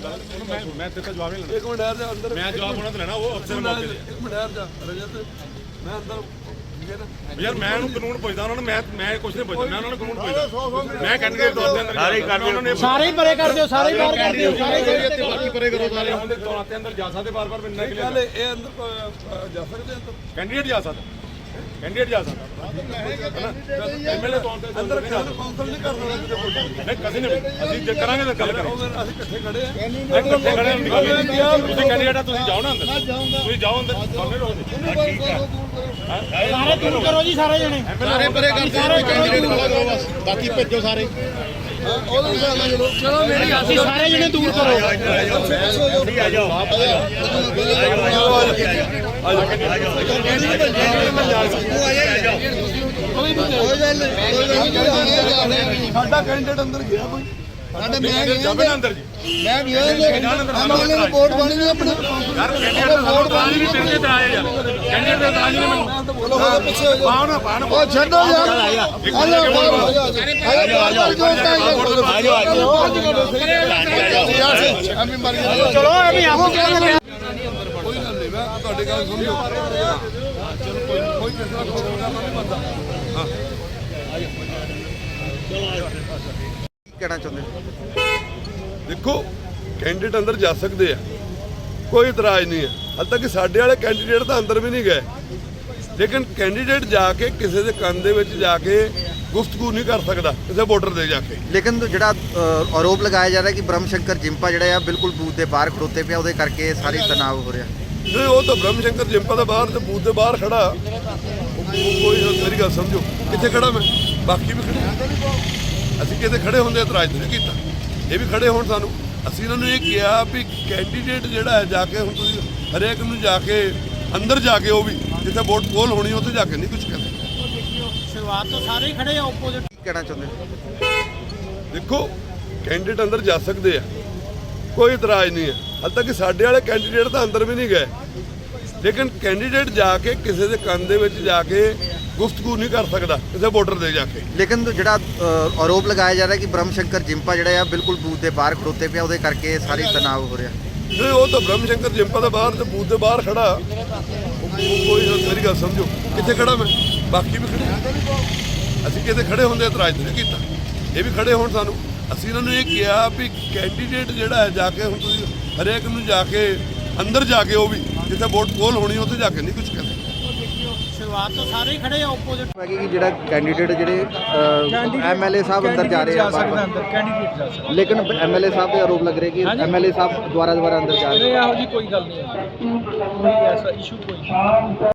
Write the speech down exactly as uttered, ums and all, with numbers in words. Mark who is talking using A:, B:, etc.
A: मैं मैं तेरे जवाब नहीं लेना।
B: एक मिनट ठहर जा अंदर।
A: मैं जवाब होना तो लेना वो अफसर मौके ते।
B: एक मिनट ठहर जा रजत मैं अंदर ठीक है ना
A: यार मैं ਉਹਨੂੰ ਕਾਨੂੰਨ ਪੁੱਛਦਾ ਉਹਨਾਂ ਨੂੰ ਮੈਂ ਮੈਂ ਕੁਝ ਨਹੀਂ ਪੁੱਛਦਾ ਮੈਂ ਉਹਨਾਂ ਨੂੰ ਕਾਨੂੰਨ ਪੁੱਛਦਾ ਮੈਂ ਕੈਂਡੀਡੇਟ ਤੌਰ ਤੇ ਅੰਦਰ ਸਾਰੇ ਹੀ ਕਰ ਦਿਓ
C: ਸਾਰੇ ਹੀ ਪਰੇ ਕਰ ਦਿਓ ਸਾਰੇ ਹੀ ਬਾਹਰ ਕਰ ਦਿਓ ਸਾਰੇ
A: ਤੇ ਬਾਕੀ ਪਰੇ ਕਰੋ ਸਾਰੇ ਉਹਦੇ ਤੌਰ ਤੇ ਅੰਦਰ ਜਾ ਸਕਦੇ ਬਾਰ-ਬਾਰ ਮਿਲਣਾ ਕਿ
B: ਗੱਲ ਇਹ ਅੰਦਰ ਜਾ ਸਕਦੇ ਅੰਦਰ
A: ਕੈਂਡੀਡੇਟ ਜਾ ਸਕਦਾ ਕੈਂਡੀਡੇਟ ਜਾ ਸਕਦਾ ਐਮਐਲਏ ਤੌਰ ਤੇ
B: ਅੰਦਰ ਕਾਉਂਸਲ ਨਹੀਂ ਕਰਨਾ
A: ਨਹੀਂ ਕਦੇ ਨਹੀਂ ਅਸੀਂ ਜੇ ਕਰਾਂਗੇ ਤਾਂ ਗੱਲ ਕਰਾਂਗੇ
B: ਅਸੀਂ ਇਕੱਠੇ ਖੜੇ ਆ
A: ਇਕੱਠੇ ਖੜੇ ਹਾਂ ਤੁਸੀਂ ਕੈਂਡੀਡੇਟ ਆ ਤੁਸੀਂ ਜਾਓ ਨਾ ਅੰਦਰ ਤੁਸੀਂ ਜਾਓ ਅੰਦਰ ਸਾਹਮਣੇ ਰਹੋ ਠੀਕ ਹੈ
C: ਸਾਰੇ ਦੂਰ ਕਰੋ ਜੀ ਸਾਰੇ ਜਣੇ
A: ਸਾਰੇ ਪਰੇ ਕਰ ਦਿਓ ਕੈਂਡੀਡੇਟ ਵਾਲਾ ਜਾਓ ਬਸ ਬਾਕੀ ਭੇਜੋ ਸਾਰੇ
C: ਚਲੋ ਮੇਰੀ ਅਸੀਂ ਸਾਰੇ ਜਣੇ ਦੂਰ ਕਰੋ
A: ਆ ਜਾਓ
B: ਸਾਡਾ ਕੈਂਡੀਡੇਟ ਅੰਦਰ ਗਿਆ ਕੋਈ
D: ਸਾਡੇ ਮੈਂ
A: ਜਾਵੇ ਨਾ ਅੰਦਰ ਜੀ
D: ਮੈਂ ਗਿਆ ਐਮਐਲਏ ਨੂੰ ਵੋਟ ਪਾਣੀ ਨਹੀਂ ਆਪਣਾ
A: ਯਾਰ ਕੈਂਡੀਡੇਟ ਦਾ ਵੋਟ ਪਾਣ ਨਹੀਂ ਤੇਰੇ ਤੇ ਆਏ ਯਾਰ ਕੈਂਡੀਡੇਟ ਦਾ ਤਾਂ ਨਹੀਂ ਮੈਨੂੰ
D: ਬੋਲੋ ਬੋਲੋ ਪਿੱਛੇ ਹੋ ਜਾਓ
A: ਪਾਉ ਨਾ ਪਾਣ
D: ਉਹ ਛੱਡੋ ਯਾਰ ਆ ਜਾ ਆ ਜਾ ਆ ਜਾ ਐਵੇਂ ਮਰ ਗਿਆ
C: ਚਲੋ ਐਵੇਂ ਆਪੋ ਕਹਿੰਦੇ
B: ਕੋਈ ਗੱਲ ਨਹੀਂ ਮੈਂ ਤੁਹਾਡੀ ਗੱਲ ਸੁਣਿਓ ਚਲੋ ਕੋਈ ਕੋਈ ਕਿਸੇ ਦਾ ਪ੍ਰੋਗਰਾਮ ਨਹੀਂ ਬੰਦਾ ਹਾਂ
D: ਕਹਿਣਾ ਚਾਹੁੰਦੇ
B: ਦੇਖੋ ਕੈਂਡੀਡੇਟ ਅੰਦਰ ਜਾ ਸਕਦੇ ਆ ਕੋਈ ਇਤਰਾਜ਼ ਨਹੀਂ ਹੈ ਹਾਲੇ ਤੱਕ ਸਾਡੇ ਵਾਲੇ ਕੈਂਡੀਡੇਟ ਤਾਂ ਅੰਦਰ ਵੀ ਨਹੀਂ ਗਏ ਲੇਕਿਨ ਕੈਂਡੀਡੇਟ ਜਾ ਕੇ ਕਿਸੇ ਦੇ ਕੰਨ ਦੇ ਵਿੱਚ ਜਾ ਕੇ ਗੁਫ਼ਤਗੂ ਨਹੀਂ ਕਰ ਸਕਦਾ ਕਿਸੇ ਵੋਟਰ ਦੇ ਜਾ ਕੇ
D: ਲੇਕਿਨ ਜਿਹੜਾ ਆਰੋਪ ਲਗਾਇਆ ਜਾ ਰਿਹਾ ਕਿ ਬ੍ਰਹਮ ਸ਼ੰਕਰ ਜਿੰਪਾ ਜਿਹੜਾ ਆ ਬਿਲਕੁਲ ਬੂਥ ਦੇ ਬਾਹਰ ਖੜੋਤੇ ਪਿਆ ਉਹਦੇ ਕਰਕੇ ਸਾਰੀ ਤਣਾਅ ਹੋ ਰਿਹਾ
B: ਨਹੀਂ ਉਹ ਤਾਂ ਬ੍ਰਹਮ ਸ਼ੰਕਰ ਜਿੰਪਾ ਦਾ ਬਾਹਰ ਤੇ ਬੂਥ ਦੇ ਬਾਹਰ ਖੜਾ ਉਹ ਕੋਈ ਮੇਰੀ ਗੱਲ ਸਮਝੋ ਕਿੱਥੇ ਖੜਾ ਮੈਂ ਬਾਕੀ ਵੀ ਖੜੇ ਅਸੀਂ ਕਿਤੇ ਖੜੇ ਹੁੰਦੇ ਇਤਰਾਜ਼ ਨਹੀਂ ਕੀਤਾ ਇਹ ਵੀ ਖੜੇ ਹੋਣ ਸਾਨੂੰ ਅਸੀਂ ਇਹਨਾਂ ਨੂੰ ਇਹ ਕਿਹਾ ਵੀ ਕੈਂਡੀਡੇਟ ਜਿਹੜਾ ਹੈ ਜਾ ਕੇ ਹੁਣ ਤੁਸੀਂ ਹਰੇਕ ਨੂੰ ਜਾ ਕੇ ਅੰਦਰ ਜਾ ਕੇ ਉਹ ਵੀ ਜਿੱਥੇ ਵੋਟ ਪੋਲ ਹੋਣੀ ਉੱਥੇ ਜਾ ਕੇ ਨਹੀਂ ਕੁਝ ਕਹਿੰਦੇ
C: ਸ਼ੁਰੂਆਤ ਤੋਂ ਸਾਰੇ ਹੀ ਖੜੇ ਆ ਆਪੋਜ਼ਿਟ
D: ਕਹਿਣਾ ਚਾਹੁੰਦੇ
B: ਦੇਖੋ ਕੈਂਡੀਡੇਟ ਅੰਦਰ ਜਾ ਸਕਦੇ ਆ ਕੋਈ ਇਤਰਾਜ਼ ਨਹੀਂ ਹੈ ਹਾਲੇ ਤੱਕ ਸਾਡੇ ਵਾਲੇ ਕੈਂਡੀਡੇਟ ਤਾਂ ਅੰਦਰ ਵੀ ਨਹੀਂ ਗਏ ਲੇਕਿਨ ਕੈਂਡੀਡੇਟ ਜਾ ਕੇ ਕਿਸੇ ਦੇ ਕੰਨ ਦੇ ਵਿੱਚ ਜਾ ਕੇ ਗੁਫ਼ਤਗੂ ਨਹੀਂ ਕਰ ਸਕਦਾ ਕਿਸੇ ਵੋਟਰ ਦੇ ਜਾ ਕੇ
D: ਲੇਕਿਨ ਜਿਹੜਾ ਆਰੋਪ ਲਗਾਇਆ ਜਾ ਰਿਹਾ ਕਿ ਬ੍ਰਹਮ ਸ਼ੰਕਰ ਜਿੰਪਾ ਜਿਹੜਾ ਆ ਬਿਲਕੁਲ ਬੂਥ ਦੇ ਬਾਹਰ ਖੜੋਤੇ ਪਿਆ ਉਹਦੇ ਕਰਕੇ ਸਾਰੀ ਤਣਾਅ ਹੋ ਰਿਹਾ
B: ਨਹੀਂ ਉਹ ਤਾਂ ਬ੍ਰਹਮ ਸ਼ੰਕਰ ਜਿੰਪਾ ਦਾ ਬਾਹਰ ਤੇ ਬੂਥ ਦੇ ਬਾਹਰ ਖੜਾ ਉਹ ਕੋਈ ਮੇਰੀ ਗੱਲ ਸਮਝੋ ਕਿੱਥੇ ਖੜਾ ਮੈਂ ਬਾਕੀ ਵੀ ਖੜੇ ਅਸੀਂ ਕਿਤੇ ਖੜੇ ਹੁੰਦੇ ਇਤਰਾਜ਼ ਨਹੀਂ ਕੀਤਾ ਇਹ ਵੀ ਖੜੇ ਹੋਣ ਸਾਨੂੰ ਅਸੀਂ ਇਹਨਾਂ ਨੂੰ ਇਹ ਕਿਹਾ ਵੀ ਕੈਂਡੀਡੇਟ ਜਿਹੜਾ ਹੈ ਜਾ ਕੇ ਹੁਣ ਤੁਸੀਂ ਹਰੇਕ ਨੂੰ ਜਾ ਕੇ ਅੰਦਰ ਜਾ ਕੇ ਉਹ ਵੀ ਜਿੱਥੇ ਵੋਟ ਪੋਲ ਹੋਣੀ ਉੱਥੇ ਜਾ ਕੇ ਨਹੀਂ ਕੁਝ ਕਹਿੰਦੇ
C: ਸ਼ੁਰੂਆਤ ਤੋਂ ਸਾਰੇ ਹੀ ਖੜੇ ਆ ਆਪੋਜ਼ਿਟ
D: ਹੈ ਕਿ ਜਿਹੜਾ ਕੈਂਡੀਡੇਟ ਜਿਹੜੇ ਐਮਐਲਏ ਸਾਹਿਬ ਅੰਦਰ ਜਾ ਰਹੇ ਆ
C: ਅੰਦਰ ਕੈਂਡੀਡੇਟ ਜਾ ਸਕਦਾ
D: ਲੇਕਿਨ ਐਮਐਲਏ ਸਾਹਿਬ ਦੇ ਆਰੋਪ ਲੱਗ ਰਹੇ ਕਿ ਐਮਐਲਏ ਸਾਹਿਬ ਦੁਆਰਾ ਦੁਆਰਾ ਅੰਦਰ ਜਾ ਰਹੇ
C: ਇਹੋ ਜੀ ਕੋਈ ਗੱਲ ਨਹੀਂ ਹੈ ਕੋਈ ਐਸਾ ਇਸ਼ੂ ਕੋਈ